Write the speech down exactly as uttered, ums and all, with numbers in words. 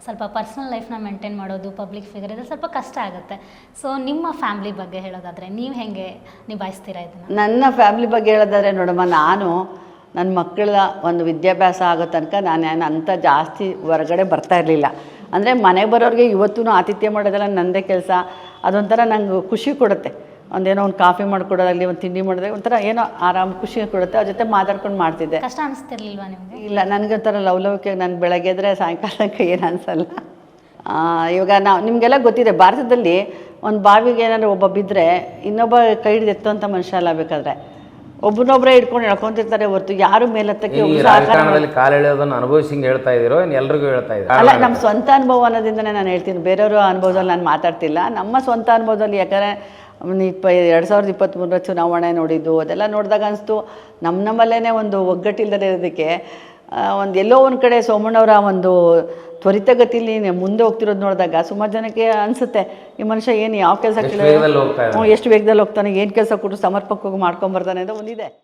ಸ್ವಲ್ಪ ಪರ್ಸ್ನಲ್ ಲೈಫ್ನ ಮೇಂಟೈನ್ ಮಾಡೋದು, ಪಬ್ಲಿಕ್ ಫಿಗರ್ ಇದು ಸ್ವಲ್ಪ ಕಷ್ಟ ಆಗುತ್ತೆ. ಸೊ ನಿಮ್ಮ ಫ್ಯಾಮ್ಲಿ ಬಗ್ಗೆ ಹೇಳೋದಾದರೆ ನೀವು ಹೇಗೆ ನಿಭಾಯಿಸ್ತೀರಾ ಇದನ್ನು? ನನ್ನ ಫ್ಯಾಮ್ಲಿ ಬಗ್ಗೆ ಹೇಳೋದಾದರೆ ನೋಡಮ್ಮ, ನಾನು ನನ್ನ ಮಕ್ಕಳ ಒಂದು ವಿದ್ಯಾಭ್ಯಾಸ ಆಗೋ ತನಕ ನಾನು ಏನು ಅಂಥ ಜಾಸ್ತಿ ಹೊರಗಡೆ ಬರ್ತಾ ಇರಲಿಲ್ಲ. ಅಂದರೆ ಮನೆಗೆ ಬರೋರಿಗೆ ಇವತ್ತೂ ಆತಿಥ್ಯ ಮಾಡೋದೆಲ್ಲ ನನ್ನದೇ ಕೆಲಸ. ಅದೊಂಥರ ನಂಗೆ ಖುಷಿ ಕೊಡುತ್ತೆ. ಒಂದೇನೋ ಒಂದು ಕಾಫಿ ಮಾಡಿಕೊಡೋದಾಗಲಿ, ಒಂದು ತಿಂಡಿ ಮಾಡೋದಾಗ ಒಂಥರ ಏನೋ ಆರಾಮ್ ಖುಷಿ ಕೊಡುತ್ತೆ. ಅವ್ರ ಜೊತೆ ಮಾತಾಡ್ಕೊಂಡು ಮಾಡ್ತಿದ್ದೆ. ಕಷ್ಟ ಅನಿಸ್ತಿರ್ಲಿಲ್ವಾ ನಿಮಗೆ? ಇಲ್ಲ, ನನಗೆ ಒಂಥರ ಲವಲವಿಕೆ. ನಾನು ಬೆಳಗ್ಗೆ ಎದ್ರೆ ಸಾಯಂಕಾಲಕ್ಕೆ ಏನು ಅನಿಸಲ್ಲ. ಇವಾಗ ನಾವು ನಿಮಗೆಲ್ಲ ಗೊತ್ತಿದೆ, ಭಾರತದಲ್ಲಿ ಒಂದು ಬಾವಿಗೆ ಏನಾದ್ರು ಒಬ್ಬ ಬಿದ್ದರೆ ಇನ್ನೊಬ್ಬ ಕೈ ಹಿಡಿದು ಎತ್ತುವಂಥ ಮನುಷ್ಯ ಅಲ್ಲ. ಬೇಕಾದ್ರೆ ಒಬ್ಬನೊಬ್ಬರೇ ಹಿಡ್ಕೊಂಡು ಹೇಳ್ಕೊಂತಿರ್ತಾರೆ ಹೊರತು ಯಾರು ಮೇಲತ್ತಕ್ಕೆ ಕಾಲೆಳೆಯೋದನ್ನು ಅನುಭವಿಸಿ ಹೇಳ್ತಾ ಇದ್ದೀರೋ ಎಲ್ರಿಗೂ ಹೇಳ್ತಾ ಇದ್ದೀರಾ? ಅಲ್ಲ, ನಮ್ಮ ಸ್ವಂತ ಅನುಭವ ಅನ್ನೋದಿಂದನೇ ನಾನು ಹೇಳ್ತೀನಿ. ಬೇರೆಯವರು ಅನುಭವದಲ್ಲಿ ನಾನು ಮಾತಾಡ್ತಿಲ್ಲ. ನಮ್ಮ ಸ್ವಂತ ಅನುಭವದಲ್ಲಿ. ಯಾಕಂದರೆ ಇಪ್ಪ ಎರಡು ಸಾವಿರದ ಇಪ್ಪತ್ತ್ಮೂರರ ಚುನಾವಣೆ ನೋಡಿದ್ದು ಅದೆಲ್ಲ ನೋಡಿದಾಗ ಅನಿಸ್ತು, ನಮ್ಮ ನಮ್ಮಲ್ಲೇ ಒಂದು ಒಗ್ಗಟ್ಟಿಲ್ಲದೆ ಇರೋದಕ್ಕೆ ಒಂದು ಎಲ್ಲೋ ಒಂದು ಕಡೆ ಸೋಮಣ್ಣವರ ಒಂದು ತ್ವರಿತಗತಿಯಲ್ಲಿ ಮುಂದೆ ಹೋಗ್ತಿರೋದು ನೋಡಿದಾಗ ಸುಮಾರು ಜನಕ್ಕೆ ಅನಿಸುತ್ತೆ, ಈ ಮನುಷ್ಯ ಏನು ಯಾವ ಕೆಲಸ, ಎಷ್ಟು ವೇಗದಲ್ಲಿ ಹೋಗ್ತಾನೆ, ಏನು ಕೆಲಸ ಕೊಟ್ಟು ಸಮರ್ಪಕವಾಗಿ ಮಾಡ್ಕೊಂಬರ್ತಾನೆ ಅಂತ ಒಂದಿದೆ.